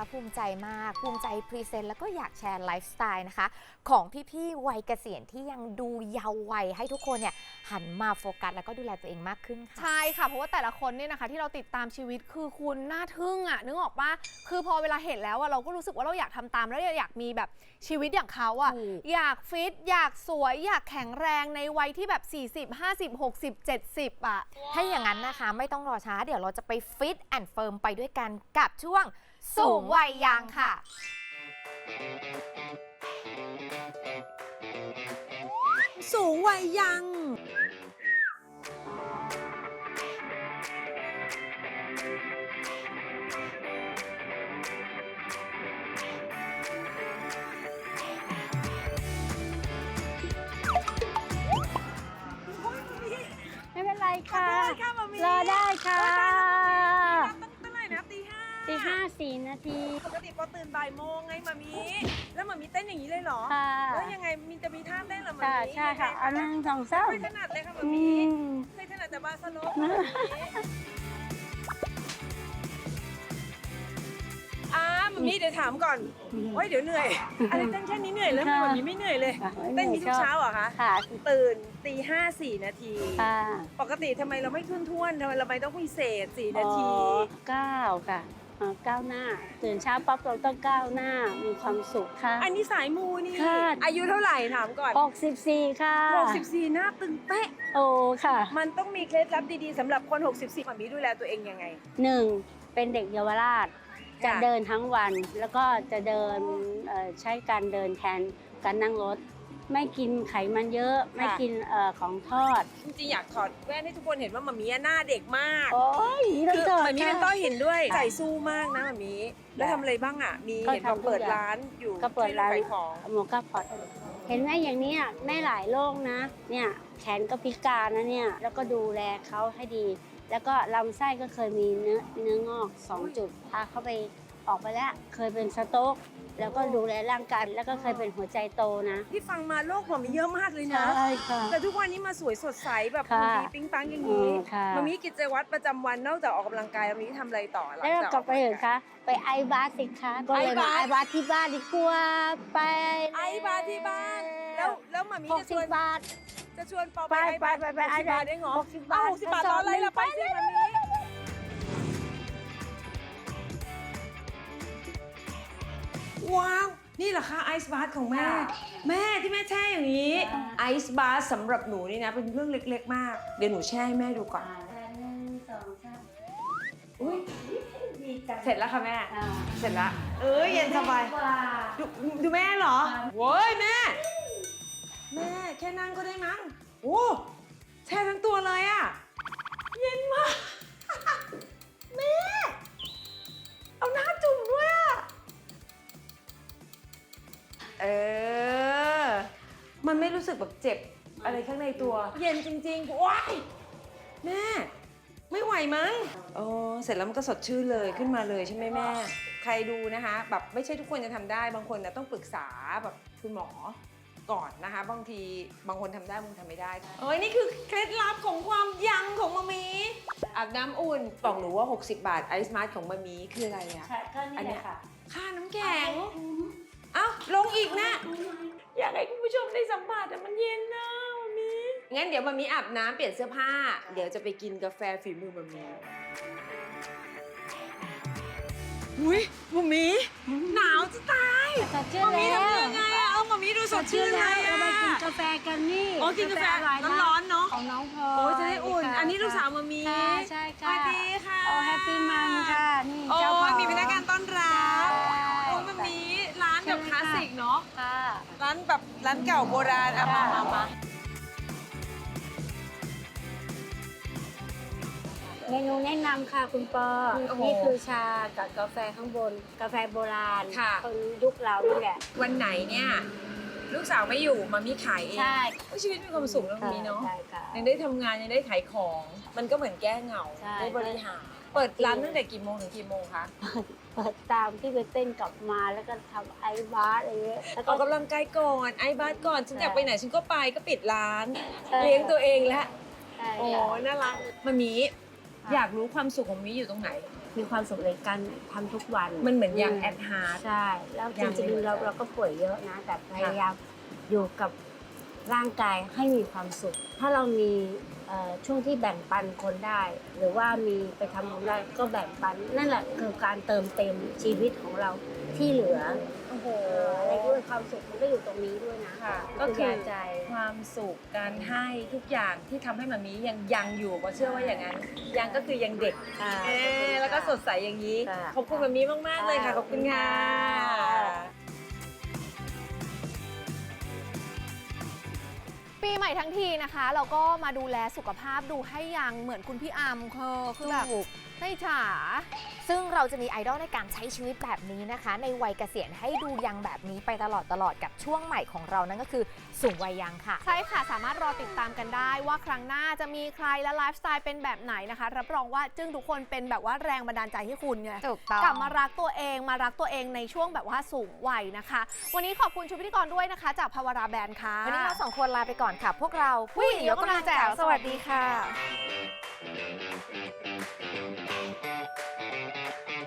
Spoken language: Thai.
นะคะภูมิใจมากภูมิใจพรีเซนต์แล้วก็อยากแชร์ไลฟ์สไตล์นะคะของพี่ๆวัยเกษียณที่ยังดูเยาว์วัยให้ทุกคนเนี่ยหันมาโฟกัสแล้วก็ดูแลตัวเองมากขึ้นค่ะใช่ค่ะเพราะว่าแต่ละคนเนี่ยนะคะที่เราติดตามชีวิตคือคุณน่าทึ่งอ่ะนึกออกปะคือพอเวลาเห็นแล้วอะเราก็รู้สึกว่าเราอยากทำตามแล้วอยากมีแบบชีวิตอย่างเขาอะอยากฟิตอยากสวยอยากแข็งแรงในวัยที่แบบ40 50 60 70อะถ้าอย่างนั้นนะคะไม่ต้องรอช้าเดี๋ยวเราจะไปฟิตแอนด์เฟิร์มไปด้วยกันกับช่วงสูงวัยยังค่ะสูงวัยยังไม่เป็นไรค่ะค่ะมามีรอได้ค่ะตั้งเท่าไหร่นะตี 4 นาทีปกติปอตื่นบ่ายโมงไงมามีแล้วมามีเต้นอย่างนี้เลยเหรอค่ะแล้วยังไงมีจะมีท่าเต้นเหรอมาค่ะมีใช่ค่ะอันนั้นสองเส้าไม่ถนัดเลยค่ะมาอืมีมเคยถนัดแต่บาสโลปมามีมามีเดี๋ยวถามก่อนโอ้ยเดี๋ยวเหนื่อยอะไรเต้นแค่นี้เหนื่อยแล้วมามีไม่เหนื่อยเลยค่ะเต้นนี้ทุกเช้าเหรอคะค่ะตื่นตีห้า4 นาทีค่ะปกติทำไมเราไม่ทุ่นๆทำไมเราไม่ต้องพิเศษ4 นาทีก้าวค่ะก้าวหน้า ตื่นเช้าปั๊บเราต้องก้าวหน้า มีความสุขค่ะอันนี้สายมูนี่ค่ะอายุเท่าไหร่ถามก่อน 64 ค่ะ 64 หน้าตึงเป๊ะโอ้ค่ะมันต้องมีเคล็ดลับดีๆสำหรับคน 64มันมีดูแลตัวเองยังไง 1. เป็นเด็กเยาวราช จะค่ะเดินทั้งวัน แล้วก็จะเดินใช้การเดินแทนการนั่งรถ ไม่กินไขมันเยอะ ไม่กินของทอดจริงๆอยากถอดแว่นให้ทุกคนเห็นว่ามามีหน้าเด็กมากโอ้ยต้องคือจอดมามีเป็นค่ะต้อหินด้วยค่ะใจสู้มากนะมามีแล้วทำอะไรบ้างอ่ะ มีก็เห็นบอกทำทุกเปิดอย่างร้านอยู่ก็เปิดร้านที่ขายของหมูกระพอดเห็นไหมอย่างเนี้ยแม่หลายโรคนะ เนี่ยแขนก็พิการนะเนี่ย แล้วก็ดูแลเขาให้ดี แล้วก็ลำไส้ก็เคยมีเนื้องอก 2 จุดพาเขาไปออกไปแล้ว เคยเป็นสโต๊กแล้วก็ดูแลร่างกายแล้วก็เคยเป็นหัวใจโตนะที่ฟังมาโลกมามีเยอะมากเลยนะใช่ค่ะแต่ทุกวันนี้มาสวยสดใสแบบค่ะมีปิ๊งปังอย่างนี้ค่ะมามีกิจวัตรประจำวันนอกจากออกกำลังกายมามีทำอะไรต่อหลังแล้วจากกลับไปเถอะคะไปไอบาสสิคะก็เลยมาไอบาสที่บ้านดีกว่าไปไอบาร์ที่บ้าน แล้วมามีจะชวน 60 บาทจะชวนปอไปไปไป 60 บาทได้เหรอ 60 บาท 60 บาทรออะไรล่ะไปสิมามีว้าว นี่เหรอคะไอซ์บาร์ของแม่ แม่ที่แม่แช่อย่างนี้ไอซ์บาร์สำหรับหนูนี่นะเป็นเรื่องเล็กๆ มาก เดี๋ยวหนูแช่ให้แม่ดูก่อน อุ้ยเสร็จแล้วค่ะแม่ เสร็จแล้ว เย็นสบายดูแม่เหรอโว้ยแม่ แม่แค่นั่งก็ได้มั้งโอ้แช่ทั้งตัวเลยอะเย็นมาก แม่ เอาหน้าจุ่มด้วยอะมันไม่รู้สึกแบบเจ็บอะไรข้างในตัว เย็นจริงๆว้ายแม่ ไม่ไหวมั้งเสร็จแล้วมันก็สดชื่นเลยขึ้นมาเลยใช่ไหมแม่ ใครดูนะคะแบบไม่ใช่ทุกคนจะทำได้บางคนนะต้องปรึกษาแบบคุณหมอก่อนนะคะบางทีบางคนทำได้บางคนทำไม่ได้นี่คือเคล็ดลับของความยังของมามีอาบน้ำอุ่นบอกหนูว่า60 บาทไอซ์มาร์ทของมามีคืออะไรอะใช่ก็นี่แหละค่ะค่าน้ำแข็งเอ้าลงอีกนะ อยากให้คุณผู้ชมได้สัมผัสแต่มันเย็นนะมามีงั้นเดี๋ยวมามีอาบน้ำเปลี่ยนเสื้อผ้าเดี๋ยวจะไปกินกาแฟฝีมือมามีอุ้ยมามีหนาวจะตายสดชื่นมามีแล้วทำยังไงอะมามีดูสดชื่นเลยเราอะไปกินกาแฟกันนี่กินกาแฟอร่อยมากร้อนๆเนาะของน้องพลโอ้ยจะได้อุ่นค่ะอันนี้ลูกสาวมามีค่ะใช่สค่ะวัสดีค่ะโอ้แฮปปี้มัมค่ะนี่โอ้เจ้าของยมีพนักงานต้อนรับใช่โอ้ยมามีร้านแบบคลาสสิกเนาะค่ะร้านแบบร้านเก่าโบราณอะมาเมนูแนะนำค่ะคุณปอโอ้โหนี่คือชากับกาแฟข้างบน กาแฟโบราณค่ะคนยุคเรานี่แหละวันไหนเนี่ยลูกสาวไม่อยู่มามีขายเองใช่โอ้ยชีวิตมีความสุขนะมามีเนาะใช่ค่ะยังได้ทำงานยังได้ขายของ มันก็เหมือนแก้เหงาใช่ได้บริหารเปิดร้านตั้งแต่กี่โมงถึงกี่โมงคะเปิดตามที่ไปเต้นกลับมาแล้วก็ทำไอบาร์อะไรเงี้ยแล้วอก็อกกำลังกายก่อนไอ้บ้านก่อนฉันอยากไปไหนฉันก็ไปก็ปิดร้านใช่เลี้ยงตัวเองแล้วใช่โอ้ค่ะน่ารักมามีอยากรู้ความสุขของมิอยู่ตรงไหนมีความสุขในการทำทุกวันมันเหมือนอย่างแอดฮาร์ดใช่ แล้วจยังริงไม่ๆเราก็ป่วยเยอะนะ แต่พยายามอยู่กับร่างกายให้มีความสุข ถ้าเรามีช่วงที่แบ่งปันคนได้ หรือว่ามีไปทำบุญได้ก็แบ่งปัน นั่นแหละคือการเติมเต็มชีวิตของเราที่เหลือโอ้โหอะไรด้วยความสุขมันก็อยู่ตรงนี้ด้วยนะค่ะก็ก็คืคือ อใจความสุขการให้ทุกอย่างที่ทำให้มามียังอยู่ก็เชื่อว่าอย่างนั้นยังก็คือยังเด็ก แล้วก็สดใสอย่างนี้ค่ะขอบคุณมามีมากๆเลยค่ะ ขอบคุณค่ะปีใหม่ทั้งทีนะคะ เราก็มาดูแลสุขภาพดูให้ยังเหมือนคุณพี่อัมคือแบบถูกไม่ฉาซึ่งเราจะมีไอดอลในการใช้ชีวิตแบบนี้นะคะ ในวัยเกษียณให้ดูยังแบบนี้ไปตลอดกับช่วงใหม่ของเรานั่นก็คือสูงวัยยังค่ะใช่ค่ะ สามารถรอติดตามกันได้ว่าครั้งหน้าจะมีใครและไลฟ์สไตล์เป็นแบบไหนนะคะ รับรองว่าจึ้งทุกคนเป็นแบบว่าแรงบันดาลใจให้คุณไงถูกต้องกลับมารักตัวเองในช่วงแบบว่าสูงวัยนะคะ วันนี้ขอบคุณชุดพิธีกรด้วยนะคะ จากภาวราแบรนด์ค่ะวันนี้เราสองคนลาไปก่อนค่ะ พวกเราผู้หญิงยกกำลังแจ๋วสวัสดีค่ะ